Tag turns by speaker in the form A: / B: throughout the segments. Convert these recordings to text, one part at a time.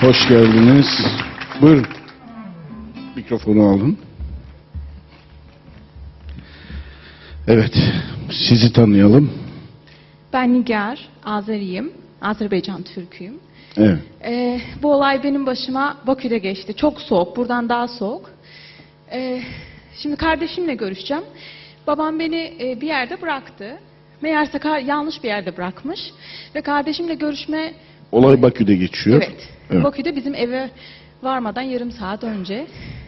A: Hoş geldiniz. Buyurun. Mikrofonu alın. Evet, sizi tanıyalım.
B: Ben Nigar, Azeriyim. Azerbaycan Türküyüm.
A: Evet.
B: Bu olay benim başıma Bakü'de geçti. Çok soğuk, buradan daha soğuk. Şimdi kardeşimle görüşeceğim. Babam beni bir yerde bıraktı. Meğerse yanlış bir yerde bırakmış. Ve kardeşimle görüşme...
A: Olay Bakü'de geçiyor.
B: Evet. Bakü'de bizim eve varmadan yarım saat önce.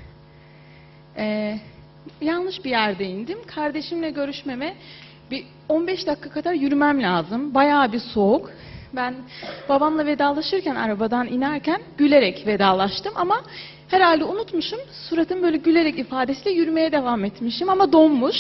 B: Yanlış bir yerde indim. Kardeşimle görüşmeme bir 15 dakika kadar yürümem lazım. Bayağı bir soğuk. Ben babamla vedalaşırken arabadan inerken gülerek vedalaştım ama herhalde unutmuşum. Suratım böyle gülerek ifadesiyle yürümeye devam etmişim ama donmuş.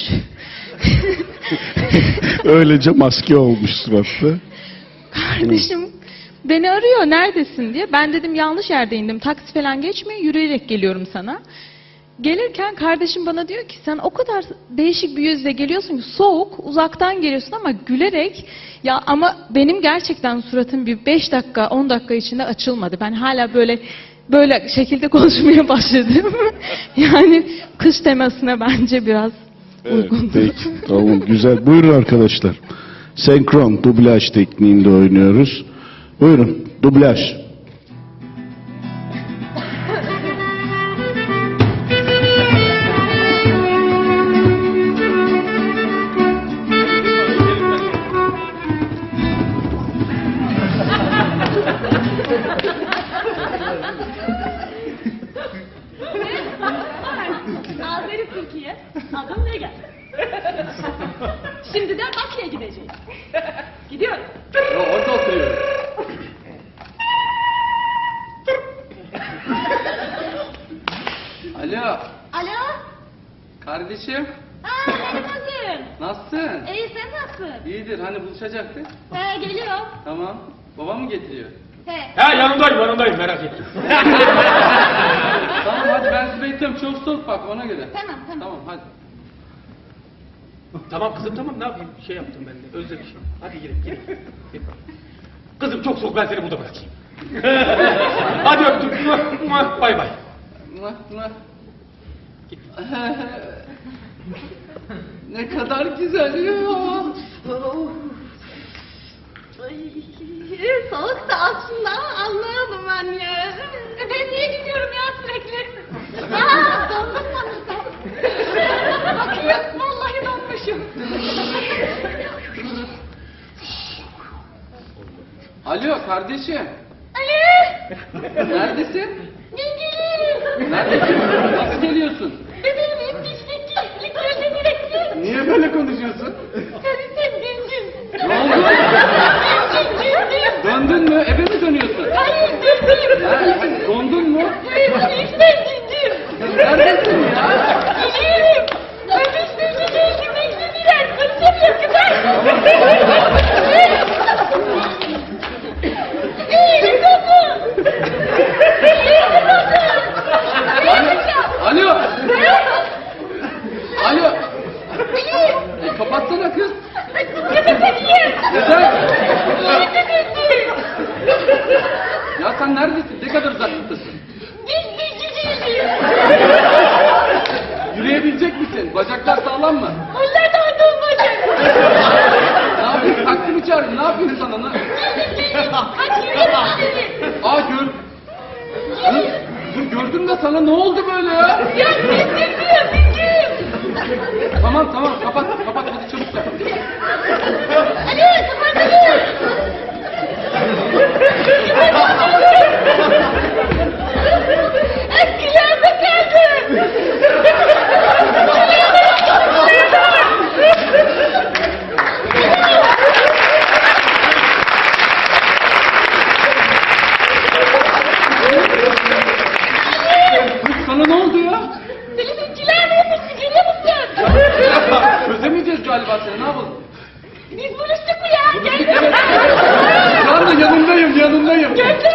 A: Öylece maske olmuş suratta.
B: Kardeşim beni arıyor, neredesin diye. Ben dedim yanlış yerde indim. Taksi falan geçmiyor, yürüyerek geliyorum sana. Gelirken kardeşim bana diyor ki sen o kadar değişik bir yüzle geliyorsun ki, soğuk, uzaktan geliyorsun ama gülerek. Ya ama benim gerçekten suratım bir 5 dakika 10 dakika içinde açılmadı. Ben hala böyle şekilde konuşmaya başladım. Yani kış temasına bence biraz uygun.
A: Peki, tamam, güzel. Buyurun arkadaşlar. Senkron, dublaj tekniğinde oynuyoruz. Buyurun, dublaj.
C: Azeri Türkiye, adım Nigar. Şimdiden Bakü'ye gideceğiz. Gidiyoruz.
D: Orada oturuyorum. Alo,
C: Alo?
D: kardeşim.
C: Benim kızım.
D: Nasılsın?
C: İyi, sen nasılsın?
D: İyidir, hani buluşacaktık.
C: Geliyorum.
D: Tamam. Babam mı getiriyor?
C: He.
E: Yanındayım merak etme.
D: Tamam hadi ben sizi bekliyorum. Çok soğuk bak ona göre.
C: Tamam.
D: Tamam hadi.
E: Tamam kızım tamam, ne yapayım, şey yaptım ben de, özlemişim. Hadi girin. Kızım çok soğuk, ben seni burada bırakayım. Hadi öptüm. Bay bay.
D: Ne kadar güzel ya.
C: Soğuk da aslında anlayamadım ben ya. Ben niye gidiyorum ya sürekli? Ya dondum sanırsam. Bakıyorum vallahi donmuşum.
D: Alo kardeşim.
C: Ali!
D: Neredesin?
C: Geliyorum.
D: Neredesin? Nasıl geliyorsun?
C: Bebeğim hep dişlik gözle direkti.
D: Niye böyle konuşuyorsun?
C: Sen döndün.
D: Ne oldu?
C: Döndüm.
D: Döndün mü? Eve mi dönüyorsun?
C: Hayır döndüm.
D: Ha, dondun mu?
C: Hayır döndüm.
D: Neredesin ya?
C: Geliyorum. Öpüştüğünü değildi beklediler. Kaçamıyor kızar. İyi kapı.
D: Alo. Alo. Kapatsana kız. Neden? Ya sen neredesin? Ne kadar uzaklıktasın? Yürüyebilecek misin? Bacaklar sağlam mı?
C: Onlar da ondan bacak.
D: Ne yapıyorsun? Taksi mi çağırdın? Ne yapıyorsun sana?
C: Hadi yürü.
D: Aa gör. Dur gördüm de sana ne oldu böyle ya?
C: Ya bitirdim.
D: Tamam kapat hadi çabuk yap.
C: Hadi kapatalım. Kıyama geldim.
D: Sana ne oldu ya?
C: Filipinkiler ne yapmışsın görüyor musun?
D: Çözemeyeceğiz galiba seni, ne yapalım?
C: Biz buluştuk mu ya? Gel.
D: Şu anda yanındayım.
C: Gel.